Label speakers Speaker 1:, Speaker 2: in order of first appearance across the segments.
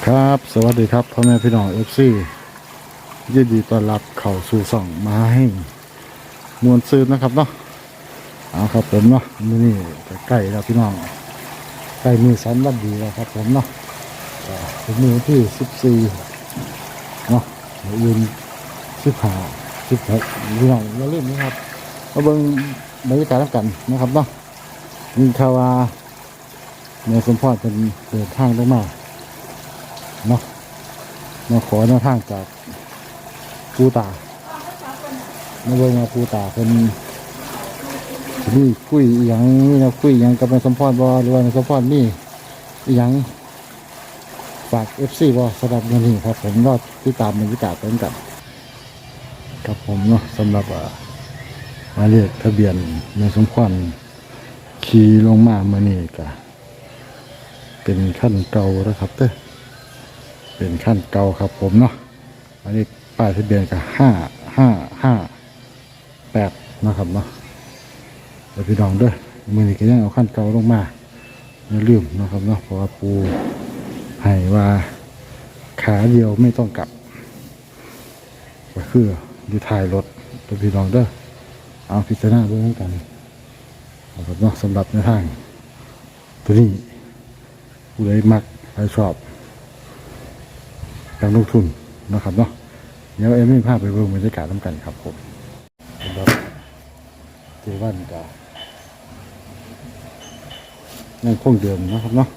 Speaker 1: ครับสวัสดีครับพ่อแม่พี่น้องFCยินดีต้อนรับเข้าสู่ส่องมาให้มวลซืนนะครับเนาะเอาครับผมเนาะมื้อนี้ใกล้แล้วพี่น้องใกล้มือสันวันดีแล้วครับผมเนาะถึงมือที่14เนาะยืน16พี่น้องอย่าลืมนะครับมาเบิ่งบรรยากาศกันนะครับเนาะมีข่าวว่าแม่สมพรเป็นเดินทางลงมาเนาะมาขอแนวทางจากปูตามาเบิ่งมาปูตาเป็นนี่คุยอหย่างนี่นะคุยอหย่างกับแม่สมพรบ่หรือว่าแม่สมพรนี่อหย่างฝาก FC บ่สำหรับวันนี้ครับผมรอติดตามบรรยากาศไปกันครับผมเนาะสำหรับหมายเลขทะเบียนแม่สมพรขี่ลงมาเมื่อนี้ก็เป็นขั้นเก่าแล้วครับเป็นขั้นเก่าครับผมเนาะอันนี้ป้ายทะเบียนก็5558นะครับเนาะเดี๋ยวพี่น้องด้วยมือนี้ก็ยังเอาขั้นเก่าลงมาอย่าลืมนะครับเนาะเพราะว่าปูให้ว่าขาเดียวไม่ต้องกลับก็คืออยู่ท้ายรถเดี๋ยวพี่น้องด้วยเอาพิจารณาด้วยกันนะครับเนาะสำหรับในทางตัวนี้ผู้ใดมักใครชอบการลงทุนนะครับเนาะเดี๋ยวไม่พลาดไปเบิ่งบรรยากาศน้ำกันครับผมสำหรับเจวันกายังคงเดิมนะครับเนาะ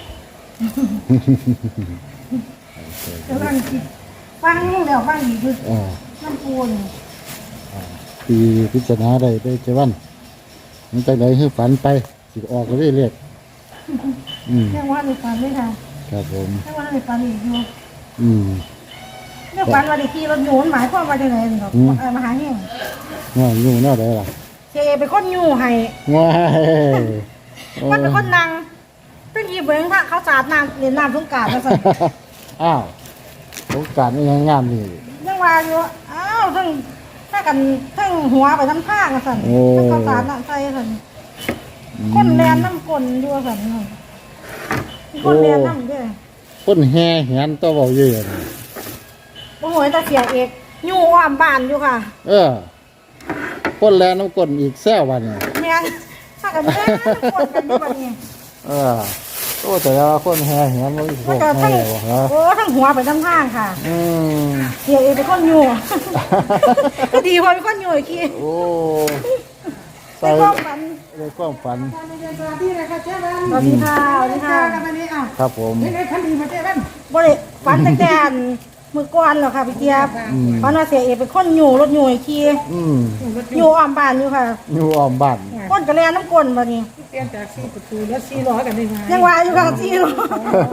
Speaker 2: แต่ฟังเดี๋ยวฟังอีกคือน้ำปูน
Speaker 1: ปีพิจารณาได้เจวันมันจะไหนให้ฝันไปสิออกก็ได้เรียก
Speaker 2: เรียกว่าในฝันเลยค่ะ
Speaker 1: ครับผม
Speaker 2: เรียกว่าในฝันอีกอยู่เรียกฝันว่าได้ขี่รถหนูหมายความว่าจะไหนหรอกมหาเฮง
Speaker 1: ง่ายอยู่แน่ได้ล่ะ
Speaker 2: เจเป็นคนอยู่ให้
Speaker 1: ง่าย
Speaker 2: มันเป็นคนนั่งเป็นยีเบิ้งพระเขาสาดน้ำเรียนน้ำสงกรานต์มาสั่น
Speaker 1: อ้าวสงกรานต์นี่งามนี่
Speaker 2: ยังว่าอยู่อ้าวถ้ากันทั้งหัวไปทั้งข้างมาสั่นทั้งเขาสาดน้ำใส่สั่นคนแลนน้ำกลนด้วยสั่นคนแลนน้ำด้วย
Speaker 1: คนแห่เหียนตัวเบาเยอะ
Speaker 2: โอ้โหตาเสียเอกอยู่อ้อมบ้านอยู่ค่ะ
Speaker 1: คนแลน้ำกลนอีกแซววันเนี่ย
Speaker 2: แม่ถ้ากันแม่คนกันอยู่แบบนี้
Speaker 1: โอ้แต่ละคนแห่เหียนมันอีกพวกแห่วะฮะ
Speaker 2: โอ้ทั้งหัวไปทั้งข้างค่ะเสียเอกเป็นคนอยู่ก็ดีพอเป็นคนอยู่อีกที
Speaker 1: โอ้
Speaker 2: ใส่ความฝัน
Speaker 1: เลยความฝัน
Speaker 2: สวัสดีค่ะเจ้าบ้านสวัสดีค่ะสวัสดีค่ะ
Speaker 1: ครับผม
Speaker 2: นี่ท่านดีมาเจ้าบ้านบริฝันตั้งแต่มือก้อนเหรอค่ะพี่เจี๊ยบฝันว่าเสียเอกเป็นคนอยู่รถอยู่อีกทีอยู่อ้อมบ้านอยู่ค่ะ
Speaker 1: อยู่อ้อมบ้าน
Speaker 2: ก้นกระแลน้ำก้นแบบนี้
Speaker 3: เปลี่ยนจาก4ประตูแล้ว4ล้อกันได้ไง
Speaker 2: ยังว่าอยู่ค่ะ4ล้อ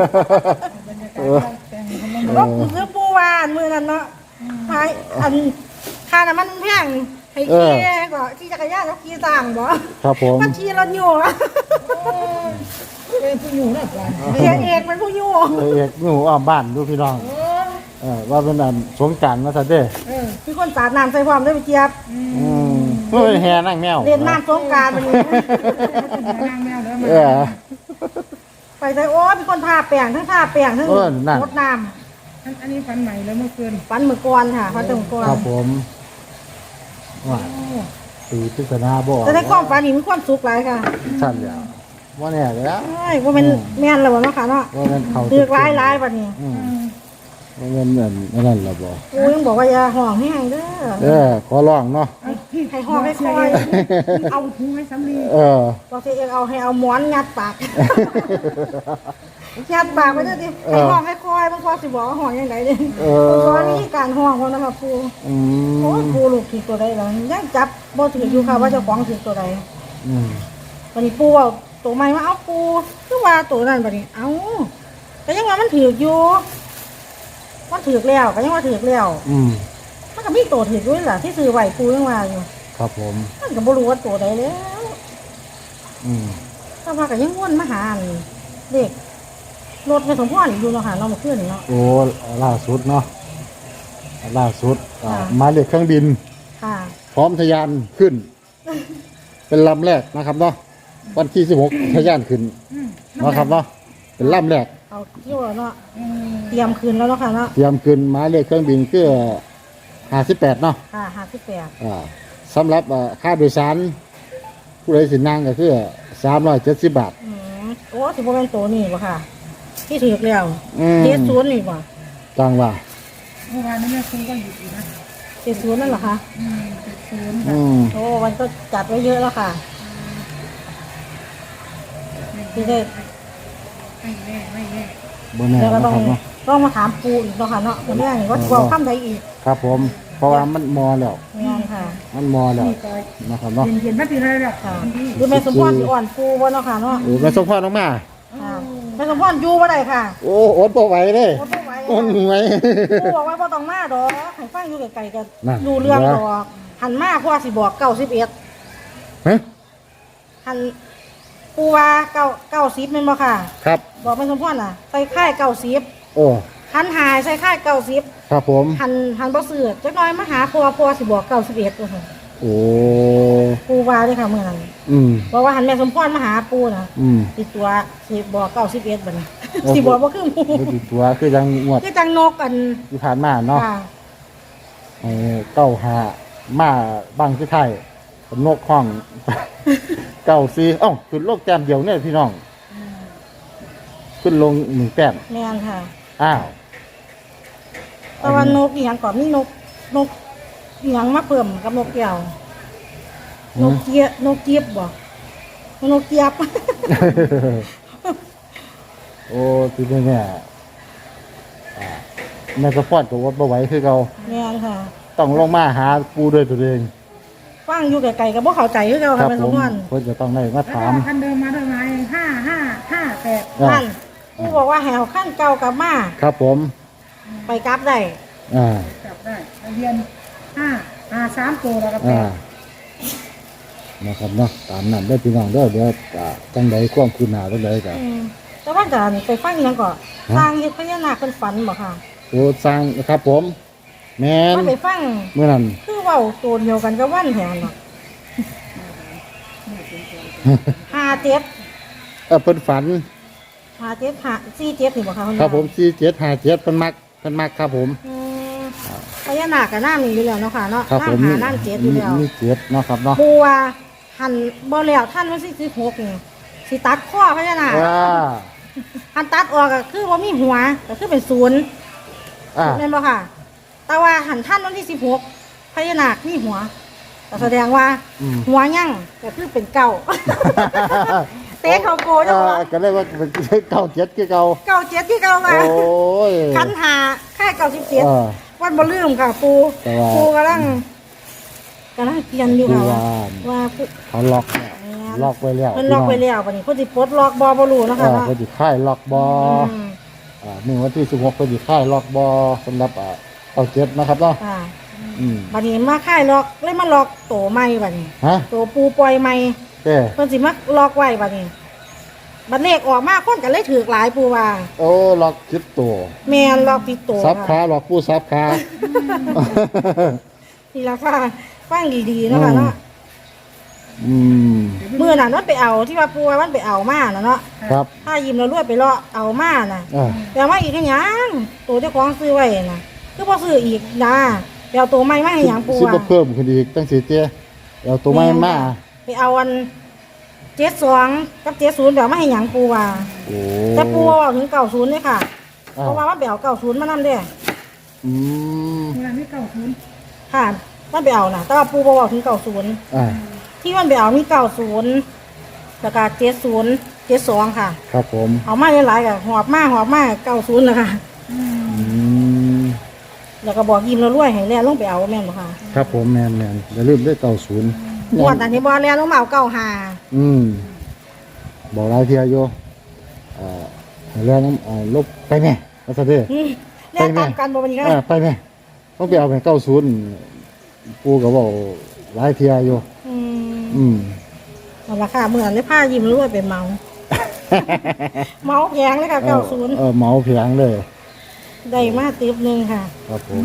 Speaker 2: รถซื้อปูวานมือนั้นเนาะพายค่าน้ำมันแพงให้ขี่ก็ขี่จักรยานแล้วขี่ต่างบ่
Speaker 1: ครับผม
Speaker 2: มันขี่รถอยู่
Speaker 3: เป็นผู้อยู่นะจ๊ะ
Speaker 2: เสียเอกเป็นผู้อยู่
Speaker 1: เอกอยู่อ้อมบ้านดูพี่น้องว่าเป็นอันสงการมาซะเด้
Speaker 2: มีคนสาดน้ำใส่ความด้วยพี่เจี๊ยบ
Speaker 1: เฮ้ยแห่นั่งแมว
Speaker 2: เล่นน้ำสงการไปเลย
Speaker 3: นั่งแมวแล้ว
Speaker 2: ไปใส่โอ้มีคนทาแป้งทั้งทาแป้งทั้งรดน้
Speaker 3: ำอันนี้ฟันใหม่แล้วเมื่อคืน
Speaker 2: ฟันเมื่อก่อนค่ะฟันเมื่อก่อน
Speaker 1: ครับผมว่าตีพิษณาบ่
Speaker 2: แต่ในความฝันนี่มีความสุขหลายค่ะ
Speaker 1: สั่นแล้วว่าเนี่ยแล้ว
Speaker 2: ว่าเป็นแม่นแล้วบ่เนาะค่ะเนาะ
Speaker 1: ว่าเป็นเขา
Speaker 2: ตือกหลายแบบนี้
Speaker 1: ว่าเป็นเหมือนนั่นแหละบ่
Speaker 2: กูยังบอกว่าอย่าห่องให้เด้อ
Speaker 1: ขอร้องเนาะ
Speaker 2: ให้ห่องให้คอย
Speaker 3: เอาถุงให้สำลี
Speaker 2: บอกสิเองให้เอาหมอนงัดปากยัดปากไปเด้อดิให้ห้องให้คอยบางคนสิบอกว่าห้องยังไงเนี่ยตอนนี้การห้องเขานะครับปูโอ้ปูลูกถือตัวใดหรอยังจับบ่ถืออยู่ค่ะว่าเจ้าของถือตัวใดวันนี้ปูว่าตัวใหม่ว่าเอาปูคือว่าตัวนั้นวันนี้เอาแต่ยังว่ามันถืออยู่มันถือแล้วก็ยังว่าถือแล้วมันก็มีตัวถือด้วยล่ะที่ซื้อไหวปูยังว่าอยู่
Speaker 1: ครับผม
Speaker 2: มันก็บ่รู้ว่าตัวใดแล้วถ้าว่าก็ยังวนมาหาเด็กรถในสมพรอยู่เนาะค่ะเรามาขึ้นเนาะ
Speaker 1: โอ้ล่าสุดเนาะล่าสุดมาเลขเครื่องบินพร้อมทะยานขึ้นเป็นลำแรกนะครับเนาะวันที่16ทะยานขึ้นนะครับเนาะเป็นลำแรก
Speaker 2: เอาที่ว่าเนาะเตรียมคืนแล้วเนาะค่ะเนาะ
Speaker 1: เตรียมขึ้นหมายเลขเครื่องบินคือ58เนาะ
Speaker 2: ค่ะ58
Speaker 1: สำหรับค่าโดยสารผู้ใดสินั่งก็คือ370 บาท
Speaker 2: โอ้สิบ่เป็นตัวนี่บ่ค่ะ ที่ถือแล้ว
Speaker 1: ม
Speaker 2: 70นี่บ่
Speaker 1: จังว่า
Speaker 3: เมื่อวานนี้แม่ครูก็หยุดอยู่นะ
Speaker 2: 70นั่นเหรอคะ
Speaker 3: 70ค่ะ
Speaker 1: อืม
Speaker 2: โอ้มันก็จัดไว้เยอะแล้วค่ะที่ได้
Speaker 3: ไม่แน่ไม่แน่
Speaker 1: บ่แน่
Speaker 2: เดี๋ยวก็
Speaker 1: นะ
Speaker 2: ต้อง
Speaker 1: ครับเนาะ
Speaker 2: ต้องมาถามปูอีกเนาะค่ะเนาะวันนี้ว่าสิเว้าคำใดอีก
Speaker 1: ครับผมเพราะว่ามันมอแล้ว
Speaker 2: งานค่ะ
Speaker 1: มันมอแล้ว
Speaker 3: นี่ก็
Speaker 1: นะครับเนาะ
Speaker 3: เย็นๆมาตีเลยแหละ
Speaker 2: ค่ะ
Speaker 3: วันที่
Speaker 2: หรือแม่สมพรสิอ่อนปูบ่เนาะค่ะเนาะ
Speaker 1: โอ้แม่สมพรน้องมา
Speaker 2: ค่ะแม่สมพรอยู่บ่ได้ค่ะ
Speaker 1: โอ้อดบ่ไหวเด้
Speaker 2: บ่ต้องไหว
Speaker 1: อดไหว
Speaker 2: ปูบอกว่าบ่ต้องมาดอกให้ฟังอยู่ไกลๆกัน
Speaker 1: น่ะ
Speaker 2: ดูเรื่องดอกหันมาเพราะว่าสิบอก91
Speaker 1: ฮะ
Speaker 2: หันปูว่า90แม่นบ่ค่ะ
Speaker 1: ครับ
Speaker 2: บอกแม่สมพรน่ะใส่ค่าย90
Speaker 1: โอ้
Speaker 2: หันหายใส่ค่าย90
Speaker 1: ครับผม
Speaker 2: หันบ่ซื้อจักหน่อยมาหาพ่อสิบอก91ว่าซั่น
Speaker 1: โอ้
Speaker 2: ปูว่าเด้อค่ะมื้อนั้น
Speaker 1: อืม
Speaker 2: บอกว่าหันแม่สมพรมาหาปูน่ะ
Speaker 1: อืม
Speaker 2: ติดตัวสิบอก91บัดนี้
Speaker 1: โอ้โห
Speaker 2: สิบอกบ่คือหมู่
Speaker 1: บ่ติดตัวคือยังงวด
Speaker 2: คือจังนกกัน
Speaker 1: ที่ผ่านมาเนาะ
Speaker 2: ค่ะ
Speaker 1: เก้าหามาบางที่ไทยนกห้อง เก้าซีเอ้าขึ้นโลกแต้มเดียวเนี่ยพี่น้องขึ้นลง1แต้ม
Speaker 2: แม่นค่ะ
Speaker 1: อ้าว
Speaker 2: แต่ว่านกอีหยังก่อนมีนกอีหยังมาเพิ่มกับนกแก้วนกเจี๊ยบบ่นกเจี๊ยบ
Speaker 1: โอ้ทีนี้เนี่ยแม่สะพอดกับวัดบ่ไหวคือเขา
Speaker 2: แม่นค่ะ
Speaker 1: ต้องลงมาหาปูด้วยตัวเอง
Speaker 2: ฟังอยู่ไกลๆก็บ่เข้าใจคือเก่า
Speaker 1: ค
Speaker 2: ค่ะ
Speaker 1: รับ
Speaker 2: แม่
Speaker 1: ผ
Speaker 2: สม
Speaker 1: ม
Speaker 2: พร
Speaker 1: เพิ่นจะต้องได้มา
Speaker 3: แล้ว
Speaker 1: ถา
Speaker 3: ก็
Speaker 1: ม
Speaker 3: คันเดิมมาด้วยไหม5558
Speaker 2: นั่นผู้บอกว่าให้เอาขั้นเก่ากลับมา
Speaker 1: ครับผม
Speaker 2: ไปกลับได้
Speaker 1: อ่า
Speaker 3: จับได้ทะเบียน553ตัวแล้วก็
Speaker 1: อ่านะครับเนาะตามนั้นได้อพี่น้องเด้อเดี๋ยวจังใดความคืนหน้าจังใดก็
Speaker 2: แต่ว่าจะไปฟังอีหยังก่อน
Speaker 1: ฮะ
Speaker 2: สร้างเฮ็ดพญานาคเพิ่นฝันบ่ค่ะ
Speaker 1: โอ้สร้างนะครับผม แม่น
Speaker 2: ว่าไปฟัง
Speaker 1: เมื่อนั้น
Speaker 2: คือเว้าตัวเดียวกันกับวันแหงเนาะ57
Speaker 1: เพิ่นฝัน
Speaker 2: 47นี่บ่ค่ะณ
Speaker 1: ครับผม4757เพิ่นมักครับผม
Speaker 2: อืมพญานาคก็น้ำมีอยู่แล้วเนาะค่ะเนาะ
Speaker 1: ครับผม
Speaker 2: น้ำหาน้ำเจ็ดอยู่แล้ว
Speaker 1: มีเจ็ดเนาะครับเนาะ
Speaker 2: ปูว่าหันบ่แล้วท่านวันที่16นี่สิตัดข้อพญานาค
Speaker 1: ว้า
Speaker 2: หันตัดออกก็คือบ่มีหัวก็คือเป็นศูนย์
Speaker 1: อ่า
Speaker 2: แม่นบ่ค่ะ แต่ว่าหันท่านวันที่16พญานาคมีหัวก็แสดงว่า
Speaker 1: อืม
Speaker 2: หัวยั่งก็คือเป็นเก่า เตะเขาโกจังว่า
Speaker 1: ก็เลยว่าเป็นเก้าเจ็ดคือเก่า
Speaker 2: เก่าเจ็ดที่เก่ามา
Speaker 1: โอ้ย
Speaker 2: คันหาค่ายเก่า17
Speaker 1: เออ
Speaker 2: วันบ่ลืมค่ะปู
Speaker 1: แต่ว่า
Speaker 2: ปูกำลังเขียนอยู่ค่ะ
Speaker 1: คือว่า
Speaker 2: ว่าผู้
Speaker 1: เขาล็อกเนี่ยล็อกไว้แล้ว
Speaker 2: เพิ่นล็อกไว้แล้วบัดนี้เพิ่นสิปลดล็อกบ่รู้เนาะ
Speaker 1: เอ
Speaker 2: ค่ะ
Speaker 1: อ
Speaker 2: เนาะ
Speaker 1: เพิ่นสิค่ายล็อกบอ
Speaker 2: อืม
Speaker 1: มื้อวันที่16เพิ่นสิค่ายล็อกบอสำหรับเก้าเจ็ดนะครับเนาะ
Speaker 2: ค่ะ
Speaker 1: อืม
Speaker 2: บัดนี้มาค่ายล็อกเลยมาล็อกโตใหม่บัดนี้
Speaker 1: ฮะ
Speaker 2: โตปูปล่อยใหม่
Speaker 1: เด้
Speaker 2: เพิ่นสิมาล็อกไว้บัดนี้บัดเลขออกมาคนก็เลยถือหลายปูว่า
Speaker 1: โอ้ล็อกคิดตัว
Speaker 2: แม่นล็อกผิดโต
Speaker 1: ซับขา
Speaker 2: ค่ะ
Speaker 1: ล็อกผู้ซับขา
Speaker 2: นี่ล่ะค่ะฟังดีๆเนาะค่ะเนาะ
Speaker 1: อืม
Speaker 2: มื้อนั้นมันไปเอาที่ว่าปูว่ามันไปเอามาน่ะเนาะ
Speaker 1: ครับ
Speaker 2: ถ้ายิ้มแล้วรวยไปเลาะเอามาน่ะ
Speaker 1: อ่า
Speaker 2: แต่ว่าอีกแค่หยังตัวเจ้าของซื้อไว้น่ะคือบ่ซื้ออีกนะไปเอาตัวใหม่มาให้หยังปู
Speaker 1: สิ
Speaker 2: อ่ะ
Speaker 1: บ่เพิ่มขึ้นอีกตั้งสิเจ้เอาตัวไม้มา
Speaker 2: ไปเอาอัน72กับ70เดี๋ยวมาให้หยังปูว่า
Speaker 1: โอ้
Speaker 2: แต่ปูว่าถึง90เลยค่ะ
Speaker 1: อ่า
Speaker 2: เพราะว่ามันไปเอา90มานำเด้
Speaker 1: อืม
Speaker 3: เวลานี้90
Speaker 2: ค่ะมันไปเอาน่ะแต่ว่าปูบ่เว้าถึง90
Speaker 1: อ่า
Speaker 2: ที่มันไปเอามี90แล้วก็70 72ค่ะ
Speaker 1: ครับผม
Speaker 2: เอามาหลายๆก็หอบมา90แล้วค่ะ
Speaker 1: อืม
Speaker 2: แล้วก็บอกยิ้มแล้วรวยให้แล่ลงไปเอาแม่นบ่ค่ะ
Speaker 1: ครับผมแมนอย่าลืมได้90
Speaker 2: งวดนั้นที่บ่แล่ลงมาเอา95
Speaker 1: อืมบอกหลายเที่ยอยู่เรื่องลบไปแม่ว่าซะเด้อ
Speaker 2: เล่นตามกันบ่วันนี้ก็
Speaker 1: ไปแม่ต้องไปเอาไป90ปู่ก็บอกหลายเที่ยอยู่
Speaker 2: อืม
Speaker 1: อืม
Speaker 2: เอาละค่ะเมื่อนั้นได้ผ้ายิ้มรวยไปเมา เมาแพงเลยค่ะ90
Speaker 1: เหมาเพียงเลย
Speaker 2: ได้มาติ๊บหนึงค่ะ
Speaker 1: ครับผม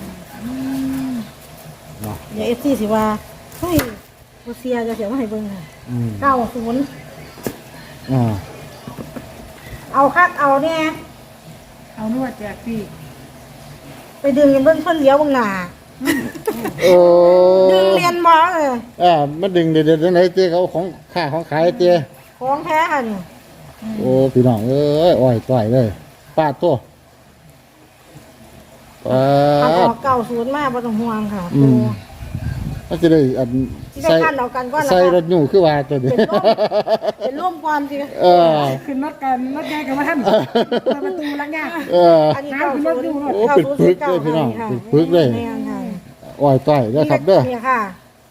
Speaker 1: เนาะ
Speaker 2: เดี๋ยว FC สิว่าเฮ้ยบ่เสียจะเสียมาให้เบิ่งค่ะ
Speaker 1: อืม
Speaker 2: 90
Speaker 1: อ่า
Speaker 2: เอาคักเอาเนี่ย
Speaker 3: เอานวดแจกฟรี
Speaker 2: ไปดึงเพิ่นเลี้ยวบางหน้า
Speaker 1: โอ้
Speaker 2: ดึงเรียนบ่เลย
Speaker 1: มันดึงเด็ดๆไหนเจ๊เขาของค่าของขายเจ๊
Speaker 2: ของแท้ค่ะนี่
Speaker 1: โอ้พี่น้องเอ้ยอ้อยต่อยเลยป้าดตัวป้า
Speaker 2: เอาอ
Speaker 1: ด
Speaker 2: อกเก่าศูนย์มาบ่ต้องห่วงค่ะ
Speaker 1: อืมมันจะได้อัน
Speaker 2: ที่ได้ขั้นเอากันก่อน
Speaker 1: ใส่ร
Speaker 2: ละ
Speaker 1: ถอยู่คือว่าตัวนี้
Speaker 2: เป็นร่วมความสิ
Speaker 1: เออ
Speaker 3: ขึ้นรถกันรถแยกกันมาท่านประตูลักยาก
Speaker 1: เออ
Speaker 2: อันนี้เก่าศูนย์
Speaker 1: โอ้ปิดพึกเลยพี่น้องปิดพึกเลย
Speaker 2: แม่นค่ะ
Speaker 1: อ้อยต่อยเด้อครับเด้อ
Speaker 2: นี่ค่ะ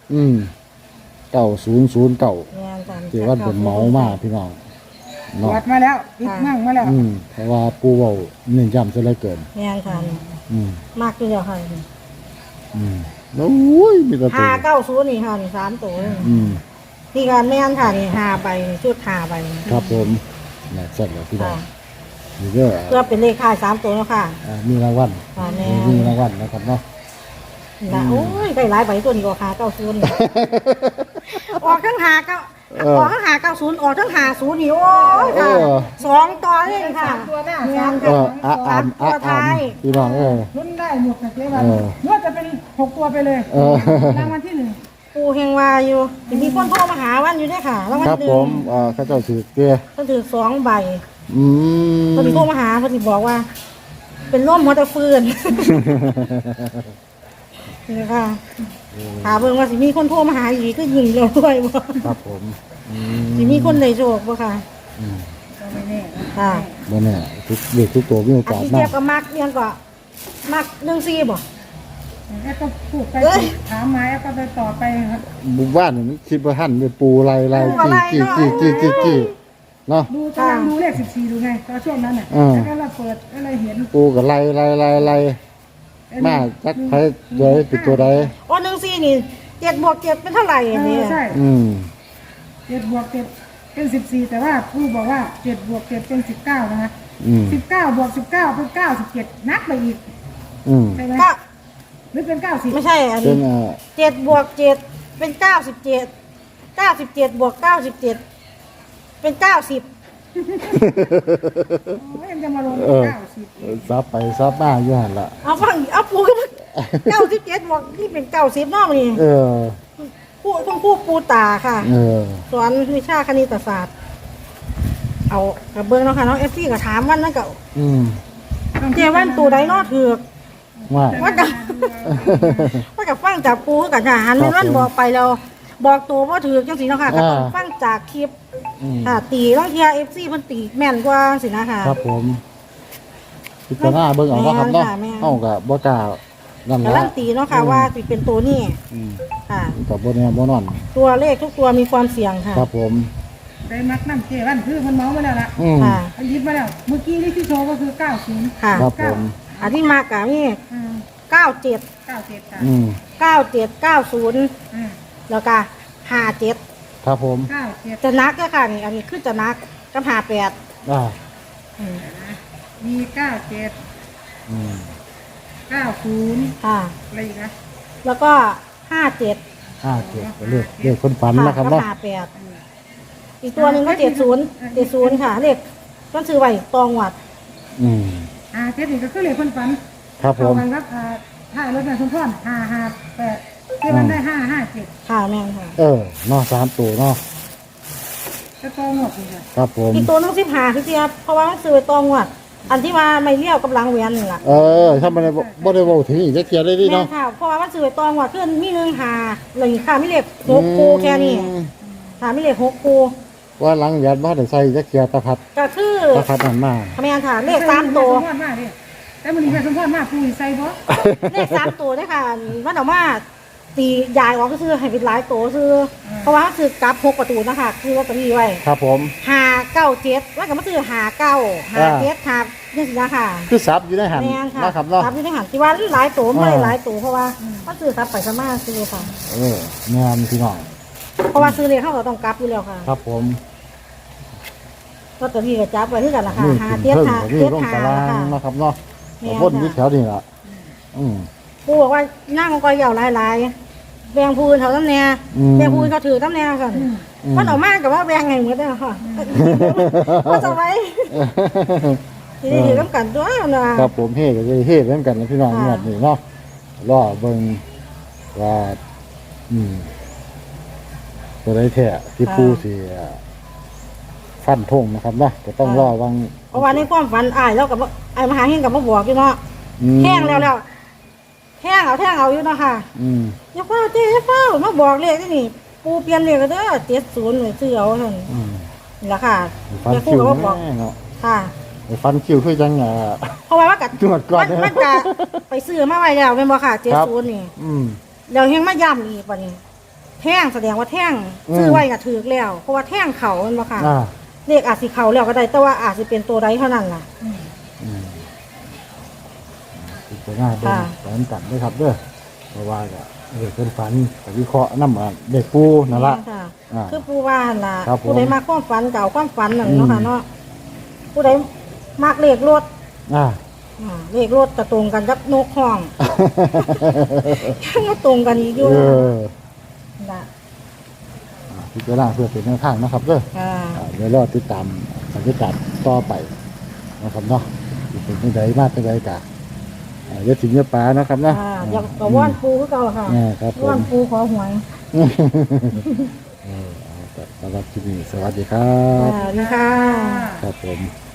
Speaker 1: 9009
Speaker 2: แม่นค่ะ
Speaker 1: เจ๊ว่าเป็นเมามากพี่น้อง
Speaker 3: ตร
Speaker 1: เนาะ
Speaker 3: วจมาแล้วปิดมั่งมาแล้ว
Speaker 1: เพราะว่าปูเว้าเน้นย้ำซะเหลือเกิน
Speaker 2: แม่นค่ะ
Speaker 1: อืม
Speaker 2: มากอยู่แล้วค่ะ
Speaker 1: แล้วโอ้ยมีแตะตัว
Speaker 2: 590นี่ค่ะนี่3ตัวนี่
Speaker 1: อืม
Speaker 2: นี่ค่ะแม่นค่ะนี่5ใบนี่ชุด5ใบนี่
Speaker 1: ครับผมน่ะเสร็จแล้วพี่น้อง
Speaker 2: ค่ะ
Speaker 1: นี่ก็
Speaker 2: เพื่อเป็นเลขค่าย3ตัวเนาะค่ะ
Speaker 1: มีรางวัล
Speaker 2: ค่ะแม่
Speaker 1: มีรางวัลนะครับเนาะ
Speaker 2: นะโอ้ยได้หลายใบตัวนี้ก็590นี่ออกทั้ง5เก้าออกทั้ง590ออกทั้ง50นี่โอ้ยค่ะ2ตัวนี่ค่ะ
Speaker 3: ตัวหน้า
Speaker 2: แม่
Speaker 3: สาม
Speaker 2: น
Speaker 3: ตัว
Speaker 2: ค่ะ ตัวท้าย
Speaker 1: พี่น้อง
Speaker 3: รุ่นได้หมดนะเจ๊วันนวดจะเป็น6ตัวไปเลยรางวัลที่1
Speaker 2: ปูเฮงวาอยู่สิมีคนโทรมาหาวันอยู่ด้วยค่ะแล้ววัน
Speaker 1: ครับ
Speaker 2: หนึ่
Speaker 1: ผ
Speaker 2: ง
Speaker 1: มเขาเจ้าถือเกลือ
Speaker 2: เพิ่นถือ2ใบ
Speaker 1: อืม
Speaker 2: เพิ่นโทรมาหาเพิ่นสิบอกว่า เป็นร่มหัวตะฟืนนี่ค่ะถามเบิ่งว่าสิมีคนโทรมาหาอีกก็ยิงเราด้วยบ่
Speaker 1: ครับผมอื
Speaker 2: สิมีคนได้โชคบ่ค่ะ
Speaker 1: อืม
Speaker 3: ก็ไม่แน่
Speaker 2: ค่ะ
Speaker 1: บ่แน่ทุกเด็กทุกตัวมีโอ
Speaker 2: อัน
Speaker 1: กาส
Speaker 2: ที่
Speaker 1: มา
Speaker 2: เทีย
Speaker 1: ก
Speaker 2: บกับมักเนี่ยก็มัก14บ่
Speaker 3: แล้วก็พูดไปถามมาแล้วก็ไปต่อไปครับ
Speaker 1: บุบ้านนี่มันคิดว่าหั่นเป็นปูลายจี้เนาะ
Speaker 3: ดูกำลังดูเลข14ดูไงตอนช่วงนั้นน่ะแล้วก็เราเปิดก็เลยเห็น
Speaker 1: ปูกับไล่มาจักไผโดยเป็นตัวใด
Speaker 2: โอ้14นี่7บวก7เป็นเท่าไหร่อันนี้
Speaker 3: ใช่
Speaker 1: อืม
Speaker 3: 7บวก7เป็น14แต่ว่าผู้บอกว่า7บวก7เป็น19นะคะ
Speaker 1: อืม
Speaker 3: 19บวก19เป็น97นับไปอีก
Speaker 1: อืม
Speaker 3: ใช่ไหม
Speaker 2: ก็
Speaker 3: หรือเป็น90
Speaker 2: ไม่ใช่อัน
Speaker 1: เป็น
Speaker 2: 7บวก7เป็น97 97บวก97เป็น90
Speaker 3: โอ้ยยังจะมาลง90
Speaker 1: ซับไปซับมาอยู่หั่นล่ะ
Speaker 2: เอาฟังเอาปูก็97บอกนี่เป็น90นอกนี่
Speaker 1: เออ
Speaker 2: คุณครูปูตาค่ะ
Speaker 1: เออ
Speaker 2: สอนวิชาคณิตศาสตร์ เอากับเบิ้งเนาะค่ะน้องเอฟซีก็ถามวันนั้นก็
Speaker 1: อืม
Speaker 2: เจวันตูใดเนอถือก
Speaker 1: ว่า
Speaker 2: ว่ากับว่ากับฟังจากปูกับทหารมันบอกไปแล้วบอกตัวว่าถือกจังสีเนาะค่ะก็ต้องฟังจากคลิป
Speaker 1: อืม
Speaker 2: ค่ะตีต้องเทียเอฟซีเพิ่นตีแม่นกว่าสินะค่ะ
Speaker 1: ครับผมพิจารณาเบิ่งเอาเนาะครับเนาะ
Speaker 2: แม่นค่ะ
Speaker 1: เฮาก็บ่กล้านั่น
Speaker 2: กำลั
Speaker 1: ล่ะ
Speaker 2: งตีเนาะค่ะว่าสิเป็นตัวนี้
Speaker 1: อืม
Speaker 2: ค่ะ
Speaker 1: ก็บ่แน่บ่นอน
Speaker 2: ตัวเลขทุกตัวมีความเสี่ยงค่ะ
Speaker 1: ครับผม
Speaker 3: ไปมักน้ำเจวันคือมันเมามาแล้วล่ะ
Speaker 1: อืม
Speaker 2: ค่ะ
Speaker 3: มันยิบมาแล้ว เมื่อกี้ที่โชว์ก็คือ90
Speaker 2: ค่ะ
Speaker 1: ครับผม
Speaker 2: อันที่มากะนี่97
Speaker 3: 97ค่ะ
Speaker 1: อืม
Speaker 2: 9790แล้วก็57
Speaker 1: ครับผม
Speaker 3: 97
Speaker 2: จะนักก็ค่ะนี่อันนี้คือจะนักกับ58
Speaker 1: อ่า
Speaker 3: มี97
Speaker 1: อืม
Speaker 3: 90
Speaker 2: ค่ะ
Speaker 3: อะไรอีกนะ
Speaker 2: แล้วก็57
Speaker 1: 57ก็เลขคนฝันนะครับ
Speaker 2: กั
Speaker 1: เนาะ
Speaker 2: 58อีกตัวหนึ่งก็70ค่ะเลขต้องซื้อไว้ตองวัด
Speaker 1: อืม
Speaker 3: เจ็ดนี่ก็คือเลขคนฝัน
Speaker 1: ครับผม
Speaker 3: เข้ากันครับถ้ารถนายสมพร558ที่มันได้557
Speaker 2: ค่ะแม่นค่ะ
Speaker 1: เนาะ3ตัวเนาะ
Speaker 3: จะโตหมดเลย
Speaker 1: ครับผม
Speaker 2: อีกตัวหนึง15คือเสียเพราะว่ามันซื้อไว้ตองวัด อันที่ว่าไม่เลี้ยวกับหลังแหวนนี่ล่ะ
Speaker 1: ถ้ามันบ่ได้เว้าถึงอีกจักเที่ยได้ดิ
Speaker 2: แม่
Speaker 1: เนาะ
Speaker 2: นค่ะเพราะว่ามันซื้อไว้ตองวัดคือมี1 5เลยค่ะมีเลข6คู่แค่นี้ค่ะมีเลข6คู่
Speaker 1: ว่าหลังยัดบ่ได้ใส่จักเที่ยตะพัด
Speaker 2: ก็คือ
Speaker 1: นั่นมา
Speaker 2: แม่นค่ะเลข3ตัว
Speaker 3: แต่มันมีแค่สมพรมากผู้ใส่บ่
Speaker 2: เลข3ตัวด้วยค่ะมันออกมาตียายออกก็คือให้เป็นหลายตัวซื้อเพราะว่าซื้อกลับ6ประตูนะคะคือลอตเตอรี่ไว้
Speaker 1: ครับผม
Speaker 2: 597ว่าก็มาซื้อ59 57ครับนี่สินะค่ะ
Speaker 1: คือซับอยู่ในหัน
Speaker 2: แม่นค่ะ
Speaker 1: นะครับเนาะ
Speaker 2: ครับที่ได้หันที่ว่าหลายตัวไม่ได้หลายตัวเพราะว่าก็ซื้อครับไปสมาซื้อค่ะ
Speaker 1: แม่นพี่น้อง
Speaker 2: เพราะว่าซื้อเลยเขาก็ต้องกลับอยู่แล้วค่ะ
Speaker 1: ครับผม
Speaker 2: ลอตเตอรี่ก็จับไว้ที่กันละค่ะ
Speaker 1: นี่
Speaker 2: 5 7
Speaker 1: เพิ่ง
Speaker 2: 5
Speaker 1: นี่ลง
Speaker 2: 7
Speaker 1: ตาราง
Speaker 2: 5ค่ะ
Speaker 1: นะครับเนาะ
Speaker 2: แม่น
Speaker 1: วน
Speaker 2: ค่ะ
Speaker 1: ที่แถวนี่ล่ะอืม
Speaker 2: ปู่บอกว่านั่งก็ยาวหลายแบ่งผู้อื่นเขาตั้งแน่แบ่งผู้อื่นเขาถือตั้งแน่กันมันออกมากับว่าแบ่งไงเหมือนกันค่ะก็จะไว้ทีนี้ถือกันด้วยนะครับ
Speaker 1: ผมเฮ่ก็จะเฮ่เหมือนกันนะพี่น้องงวดนี้เนาะรอเบิ่งว่าตัวได้แท้ที่ผู้สิฟันธงนะครับเนาะก็ต้องรอวัง
Speaker 2: เพราะว่าในความฝันอ้ายแล้วกับไอ้มหาเฮงกับมาบอกอยู่เนาะแห้งแล้วแห้งเอาอยู่เนาะค่ะอย่าเฝ้าเจ๊อย่าเฝ้ามาบอกเลขนี่ปูเปลี่ยนเลขก็เด้อ70เลยซื้อเอาท่านนี่ล่ะค่ะ
Speaker 1: ฟัน
Speaker 2: แม่ครู
Speaker 1: คิว
Speaker 2: ก็มาบอก
Speaker 1: แน่เนาะ
Speaker 2: ค่ะ
Speaker 1: ฟันคิวคือจัง
Speaker 2: เพราะว่ากัด
Speaker 1: ตรวจก่อน
Speaker 2: มันจะไปซื้อมาไว้แล้วเป็นบ่ค่ะ70นี่แล้วยังมาย้ำอีกป่ะนี่แท่งแสดงว่าแท่งซื้อไว้ก็ถือแล้วเพราะว่าแท่งเขาเป็นบ่ค่ะเลขอาจสิเขาแล้วก็ได้แต่ว่าอาจสิเป็นตัวใดเท่านั้นล่ะ
Speaker 1: จะง่ายเป็นแผนกันด้วยครับเด้อเพราะว่าก็เป็นฝันกับวิเคราะห์น้ำเด็กปูนั่นละ
Speaker 2: คือปูว่าหั่นล่ะ
Speaker 1: ครับผม
Speaker 2: ผู้ใดมาความฝันเก่าความฝันนั่นเนาะค่ะเนาะผู้ใดมักเลขรถเลขรถจะตรงกันกับนกห้องยังมาตรงกันอีกอยู่นะ
Speaker 1: พิจารณาเพื่อเป็นแนวทางนะครับเด้อเดี๋ยวรอติดตามบรรยากาศต่อไปนะครับเนาะเป็นยังไงมากเป็นยังไงกะเดี๋ยวถึงเนื้อปลานะครับเนาะ
Speaker 2: อยากกระว่านปูคือเก่าค่ะ
Speaker 1: ครับผม
Speaker 2: ว่านปูขอหวย
Speaker 1: สำหรับที่นี่สวัสดีครับ
Speaker 2: นี่ค่ะ
Speaker 1: ครับผม